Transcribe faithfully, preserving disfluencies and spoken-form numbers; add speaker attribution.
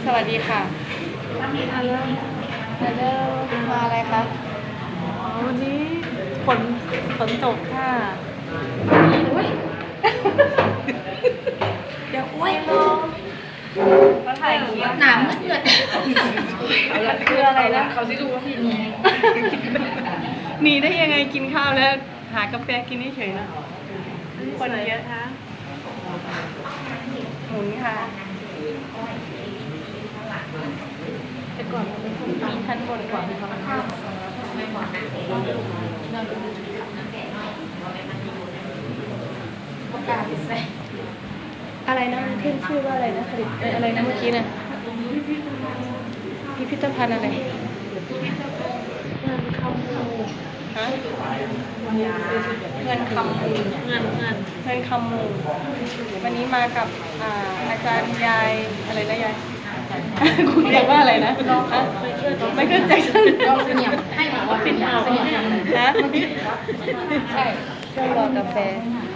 Speaker 1: สวัสดีค่ะฮัลโหลฮัลโหลมาอะไรคะวันนี้ฝนฝนตกค่ะเดี๋ยวอ้วยลงเขาถ่ายหนามืดเกิดคืออะไรนะเขาซิดูว่าพี่นีหนีได้ยังไงกินข้าวแล้วหากาแฟกินเฉยๆนะคนเยอะคะหมุนค่ะแต่ก่อนมันเป็นคนมีชั้นบนก่อนเขาข้าวไม่หวานนะเราดูอะไรนะมันขึ้นชื่อว่าอะไรนะผลิตอะไรนะเมื่อกี้น่ะพิพิธภัณฑ์อะไรเงินคำมูฮะเงินคำมูเงินเงินเงินคำมูวันนี้มากับอ่าอาจารย์ยายอะไรนะยายคุณเรียกว่าอะไรนะไม่เข้าใจฉันเสนียมให้บอกว่าเป็นเสนียมฮะใช่ช่วงรอกาแฟ